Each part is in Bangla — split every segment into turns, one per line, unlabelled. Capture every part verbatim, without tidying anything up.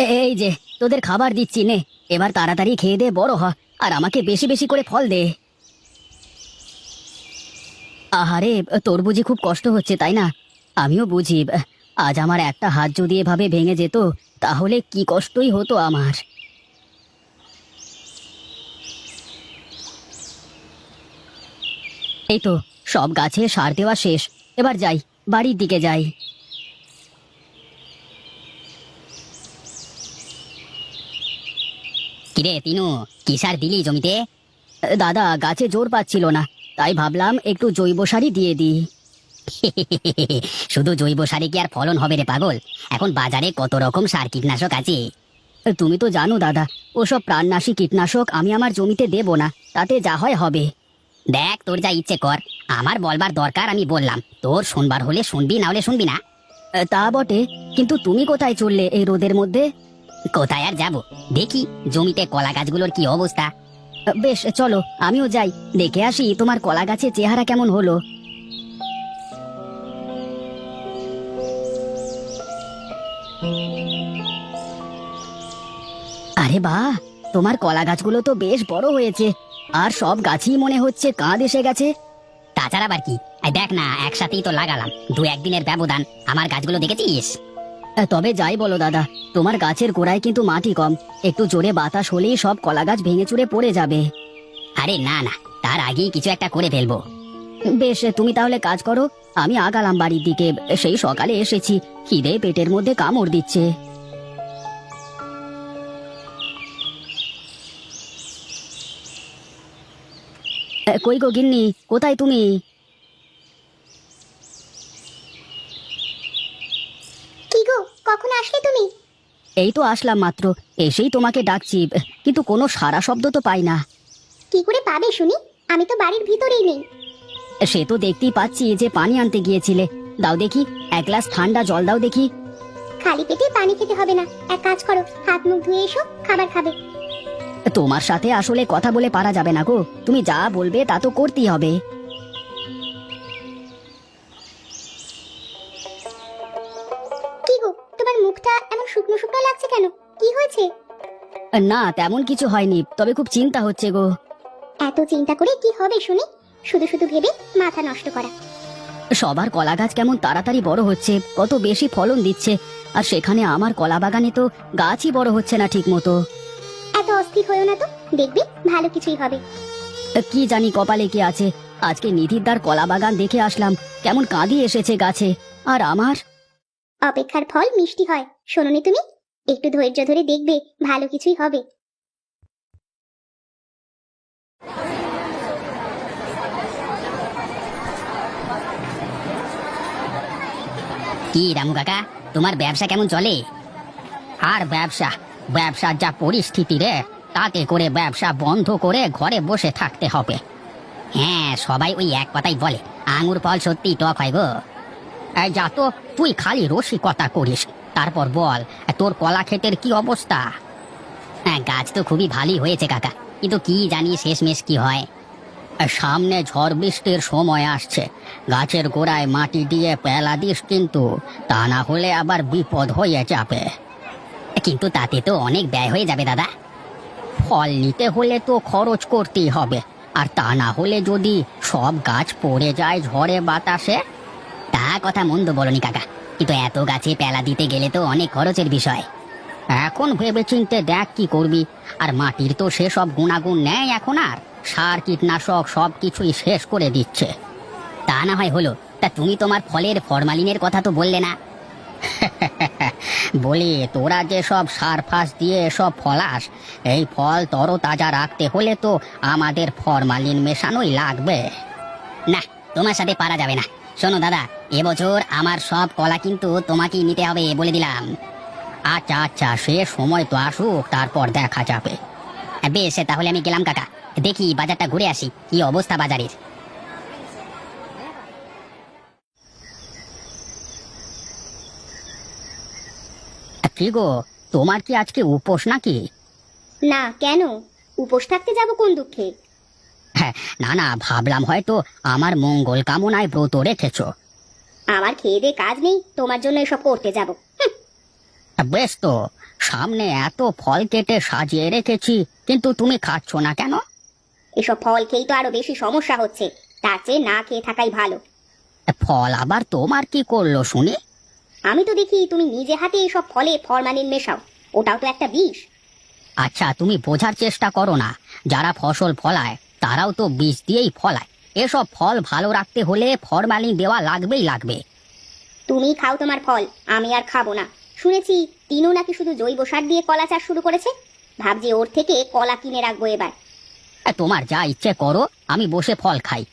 এই যে তোদের খাবার দিচ্ছি নে, এবার তাড়াতাড়ি খেয়ে দে, বড় হ, আর আমাকে বেশি বেশি করে ফল দে। আহারে, তোর বুঝি খুব কষ্ট হচ্ছে তাই না? আমিও বুঝি। আজ আমার একটা হাত যদি এভাবে ভেঙে যেত তাহলে কি কষ্টই হতো আমার। এই তো সব গাছে সার দেওয়া শেষ, এবার যাই, বাড়ির দিকে যাই। কিরে তিনু, কি সার দিলি জমিতে? দাদা, গাছে জোর পাচ্ছিল না, তাই ভাবলাম একটু জৈব সারই দিয়ে দিই। শুধু জৈব সারে কি আর ফলন হবে রে পাগল? এখন বাজারে কত রকম সার কীটনাশক আছে। তুমি তো জানো দাদা, ওসব প্রাণনাশী কীটনাশক আমি আমার জমিতে দেব না, তাতে যা হয় হবে। দেখ, তোর যা ইচ্ছে কর, আমার বলবার দরকার আমি বললাম, তোর শুনবার হলে শুনবি, না হলে শুনবি না। তা বটে, কিন্তু তুমি কোথায় চললে এই রোদের মধ্যে? কোথায় আর যাব, দেখি জমিতে কলা গাছগুলোর কি অবস্থা। বেশ, চলো আমিও যাই, দেখে আসি তোমার কলা গাছের চেহারা কেমন হলো। আরে বাহ, তোমার কলা গাছগুলো তো বেশ বড় হয়েছে, আর সব গাছই মনে হচ্ছে কাঁধ এসে গেছে। তাছাড়া আবার কি, এই দেখ না, একসাথেই তো লাগালাম, দু একদিনের ব্যবধান, আমার গাছগুলো দেখেছিস? তবে যাই বলো দাদা, তোমার গাছের গোড়ায় কিন্তু মাটি কম, একটু জোরে বাতাস হলেই সব কলা গাছ ভেঙে চুরে পড়ে যাবে। আরে না না, তার আগেই কিছু একটা করে ফেলবো। বেশ, তুমি তাহলে কাজ করো, আমি আগালাম বাড়ির দিকে, সেই সকালে এসেছি, খিদে পেটের মধ্যে কামড় দিচ্ছে। কই গো গিন্নি, কোথায় তুমি?
কি গো, কখন আসলে তুমি?
এই তো আসলাম মাত্র, এসেই তোমাকে ডাকছি, কিন্তু কোনো সাড়া শব্দ তো পাই না।
কি করে পাবে শুনি, আমি তো বাড়ির ভিতরেই নেই।
সে তো দেখতেই পাচ্ছি যে পানি আনতে গিয়েছিলে, দাও দেখি, এক গ্লাস ঠান্ডা জল দাও দেখি।
খালি পেটে পানি খেতে হবে না, এক কাজ করো, হাত মুখ ধুয়ে এসো, খাবার খাবে।
তোমার সাথে আসলে কথা বলে পারা যাবে না গো, তুমি যা বলবে তা তো করতেই হবে।
কি গো, তোমার মুখটা এমন শুকনো শুকনো লাগছে কেন, কি হয়েছে?
না, তেমন কিছু হয়নি, তবে খুব চিন্তা হচ্ছে গো।
এত চিন্তা করে কি হবে শুনি, শুধু শুধু ভেবে মাথা নষ্ট করা।
সবার কলা গাছ কেমন তাড়াতাড়ি বড় হচ্ছে, কত বেশি ফলন দিচ্ছে, আর সেখানে আমার কলা বাগানে তো গাছই বড় হচ্ছে না ঠিক মতো।
এত অস্থির হয়েও না তো, দেখবি ভালো কিছুই হবে।
কি জানি কপালে কি আছে, আজকে নিধিরদার কলা বাগান দেখে আসলাম, কেমন কাঁদি এসেছে গাছে, আর আমার।
অপেক্ষার ফল মিষ্টি হয়, শোনোনি তুমি? একটু ধৈর্য ধরে দেখবে ভালো কিছুই হবে।
কি রামু কাকা, তোমার ব্যবসা কেমন চলে? আর ব্যবসা, ব্যবসার যা পরিস্থিতি রে, তাতে করে ব্যবসা বন্ধ করে ঘরে বসে থাকতে হবে। হ্যাঁ, সবাই ওই এক কথাই বলে, আঙুর ফল সত্যি টক হয় গো। এই যা তো, তুই খালি রসিকতা করিস, তারপর বল, তোর কলা ক্ষেতের কি অবস্থা? হ্যাঁ, গাছ তো খুবই ভালোই হয়েছে কাকা, কিন্তু কি জানি শেষমেশ কি হয়। সামনে ঝড় বৃষ্টির সময় আসছে, গাছের গোড়ায় মাটি দিয়ে পেলা দিস কিন্তু, তা না হলে আবার বিপদ হয়ে যাবে। কিন্তু তাতে তো অনেক ব্যয় হয়ে যাবে দাদা। ফল নিতে হলে তো খরচ করতেই হবে, আর তা না হলে যদি সব গাছ পড়ে যায় ঝড়ে বাতাসে। তা কথা মন্দ বলনি কাকা, কিন্তু এত গাছে পেলা দিতে গেলে তো অনেক খরচের বিষয়। এখন ভেবে চিনতে দেখ কি করবি, আর মাটির তো সেসব গুণাগুণ নেই এখন, আর সার কীটনাশক সব কিছুই শেষ করে দিচ্ছে। তা না হয় হলো, তা তুমি তোমার ফলের ফরমালিনের কথা তো বললে না। বলি, তোরা যে সব সার ফাস দিয়ে সব ফলাস, এই ফল তরতাজা রাখতে হলে তো আমাদের ফরমালিন মেশানোই লাগবে। না, তোমার সাথে পারা যাবে না। শোনো দাদা, এবছর আমার সব কলা কিন্তু তোমাকেই নিতে হবে বলে দিলাম। আচ্ছা আচ্ছা, সে সময় তো আসুক, তারপর দেখা যাবে। বেশ, তাহলে আমি গেলাম কাকা, দেখি বাজারটা ঘুরে আসি, কি অবস্থা বাজারের। কি গো, তোমার কি আজকে উপোস নাকি?
না, কেন উপোস থাকতে যাব কোন দুঃখে?
হ্যাঁ, না না, ভাবলাম হয়তো আমার মঙ্গল কামনায় ব্রত রেখেছো।
আমার খেয়ে দে কাজ নেই, তোমার জন্য এসব করতে যাব?
বেশ তো, সামনে এত ফল কেটে সাজিয়ে রেখেছি, কিন্তু তুমি খাচ্ছ না কেন?
এসব ফল খেয়েই তো আরো বেশি সমস্যা হচ্ছে, তার চেয়ে না খেয়ে থাকাই ভালো।
ফল আবার তোমার কি করলো শুনি?
আমি তো দেখি তুমি নিজে হাতে এসব ফলে ফরমালিন মেশাও, ওটাও তো একটা বিষ।
আচ্ছা, তুমি বোঝার চেষ্টা করো না, যারা ফসল ফলায় তারাও তো বীজ দিয়েই ফলায়। এসব ফল ভালো রাখতে হলে ফরমালিন দেওয়া লাগবেই লাগবে।
তুমি খাও তোমার ফল, আমি আর খাবো না। শুনেছি তিনও নাকি শুধু জৈব সার দিয়ে কলা চাষ শুরু করেছে, ভাবছি ওর থেকে কলা কিনে রাখবো এবার।
তোমার যা ইচ্ছে করো, আমি বসে ফল খাই।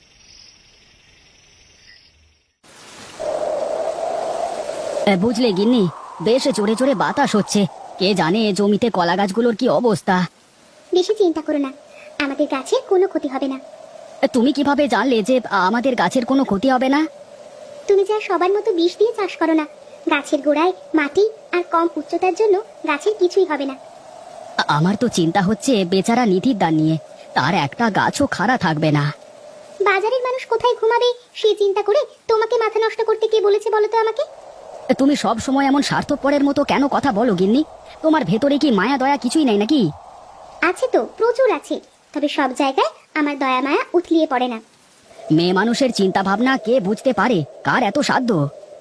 বুঝলে গিন্নি, বেশ জোরে জোরে বাতাস হচ্ছে। কে জানে জমিতে কলা গাছগুলোর কি অবস্থা।
বেশি চিন্তা করো না, আমাদের গাছের কোনো ক্ষতি হবে না।
তুমি কিভাবে জানলে যে আমাদের গাছের কোনো ক্ষতি হবে না?
তুমি যা সবার মতো বিষ দিয়ে চাষ করো না, গাছের গোড়ায় মাটি আর কম উচ্চতার জন্য গাছের কিছুই হবে না।
আমার তো চিন্তা হচ্ছে বেচারা নিধির দান নিয়ে, তার একটা গাছও খাড়া থাকবে না।
বাজারের মানুষ কোথায় ঘুমাবে সে চিন্তা করে তোমাকে মাথা নষ্ট করতে কে বলেছে বলো তো আমাকে?
তুমি সব সময় এমন স্বার্থপরের মতো কেন কথা বলো গিন্নি? তোমার ভেতরে কি মায়া দয়া কিছুই নেই নাকি?
আছে তো, প্রচুর আছে, তবে সব জায়গায় আমার দয়া মায়া উথলিয়ে পড়ে না।
মেয়ে মানুষের চিন্তা ভাবনা কে বুঝতে পারে? কার এত সাধ্য?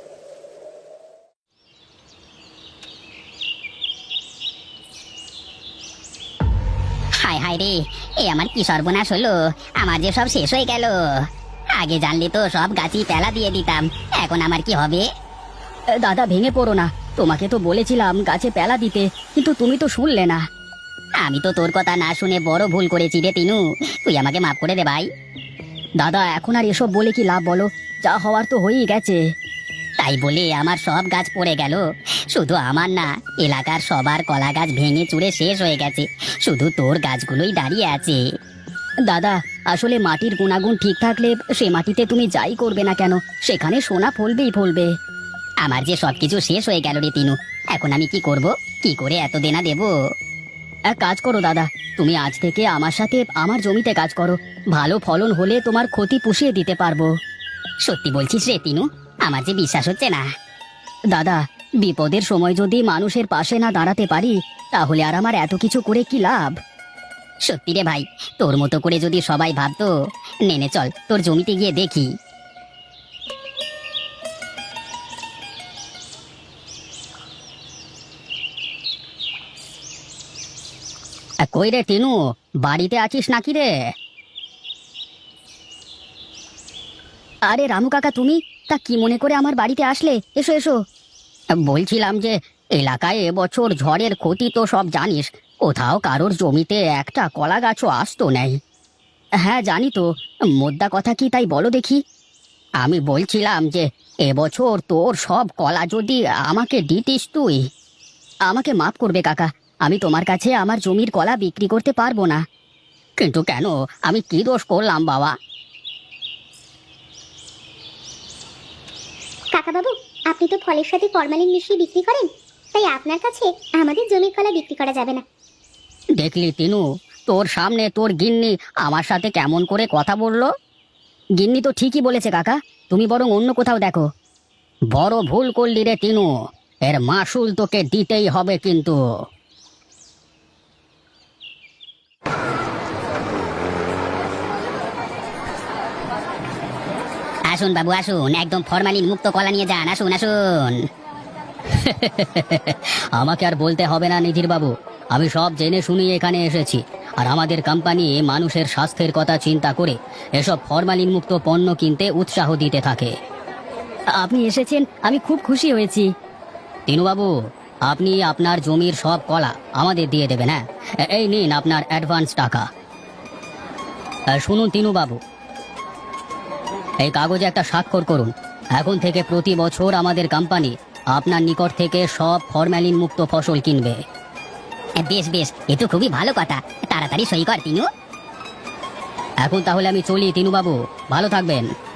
হায় হায় রে, এ আমার কি সর্বনাশ হলো! আমার যে সব শেষ হয়ে গেল। আগে জানলে তো সব গাছই পেলা দিয়ে দিতাম, এখন আমার কি হবে? দাদা, ভেঙে পড়ো না, তোমাকে তো বলেছিলাম গাছে পেলা দিতে, কিন্তু তুমি তো শুনলে না। আমি তো তোর কথা না শুনে বড় ভুল করেছি রে তিনু, তুই আমাকে মাফ করে দে ভাই। দাদা, এখন আর এসব বলে কি লাভ বলো? যা হওয়ার তো হয়েই গেছে। তাই বলে আমার সব গাছ পড়ে গেল? শুধু আমার না, এলাকার সবার কলা গাছ ভেঙে চুরে শেষ হয়ে গেছে, শুধু তোর গাছগুলোই দাঁড়িয়ে আছে। দাদা, আসলে মাটির গুণাগুণ ঠিক থাকলে সে মাটিতে তুমি যাই করবে না কেন, সেখানে সোনা ফলবেই ফলবে। আমার যে সবকিছু শেষ হয়ে গেল রে তিনু, এখন আমি কি করব? কি করে এত দেনা দেব? এক কাজ করো দাদা, তুমি আজ থেকে আমার সাথে আমার জমিতে কাজ করো, ভালো ফলন হলে তোমার ক্ষতি পুষিয়ে দিতে পারবো। সত্যি বলছিস রে তিনু? আমার যে বিশ্বাস হচ্ছে না। দাদা, বিপদের সময় যদি মানুষের পাশে না দাঁড়াতে পারি, তাহলে আর আমার এত কিছু করে কি লাভ? সত্যি রে ভাই, তোর মতো করে যদি সবাই ভাবতো। নেনে চল, তোর জমিতে গিয়ে দেখি। কই রে টিনু, বাড়িতে আছিস নাকি রে? আরে রামু কাকা, তুমি তা কি মনে করে আমার বাড়িতে আসলে? এসো এসো। বলছিলাম যে এলাকায় এবছর ঝড়ের ক্ষতি তো সব জানিস, কোথাও কারোর জমিতে একটা কলা গাছও আসতো নেই। হ্যাঁ জানি তো, মোদ্দা কথা কি তাই বলো দেখি। আমি বলছিলাম যে এবছর তোর সব কলা যদি আমাকে দিতিস তুই। আমাকে মাফ করবে কাকা, আমি তোমার কাছে আমার জমির কলা বিক্রি করতে পারবো না। কিন্তু কেন? আমি কি দোষ করলাম বাবা?
কাকা বাবু, আপনি তো ফলের সাথে ফরমালিন মিশিয়ে বিক্রি করেন, তাই আপনার কাছে আমাদের জমির কলা বিক্রি করা যাবে না।
দেখলি তিনু, তোর সামনে তোর গিন্নি আমার সাথে কেমন করে কথা বললো। গিন্নি তো ঠিকই বলেছে কাকা, তুমি বরং অন্য কোথাও দেখো। বড় ভুল করলি রে তিনু, এর মাসুল তোকে দিতেই হবে কিন্তু। আসুন বাবু আসুন, একদম ফরমালিন মুক্ত কলা নিয়ে যান, আসুন আসুন। আমাকে আর বলতে হবে না নিধির বাবু, আমি সব জেনে শুনি এখানে এসেছি। আর আমাদের কোম্পানি মানুষের স্বাস্থ্যের কথা চিন্তা করে এসব ফরমালিন মুক্ত পণ্য কিনতে উৎসাহ দিতে থাকে। আপনি এসেছেন, আমি খুব খুশি হয়েছি। তিনুবাবু, আপনি আপনার জমির সব কলা আমাদের দিয়ে দেবেন। হ্যাঁ, এই নিন আপনার অ্যাডভান্স টাকা। শুনুন তিনুবাবু, এই কাগজে একটা স্বাক্ষর করুন। এখন থেকে প্রতি বছর আমাদের কোম্পানি আপনার নিকট থেকে সব ফরমালিন মুক্ত ফসল কিনবে। বেশ বেশ, এ তো খুবই ভালো কথা, তাড়াতাড়ি সই কর তিনু। এখন তাহলে আমি চলি তিনুবাবু, ভালো থাকবেন।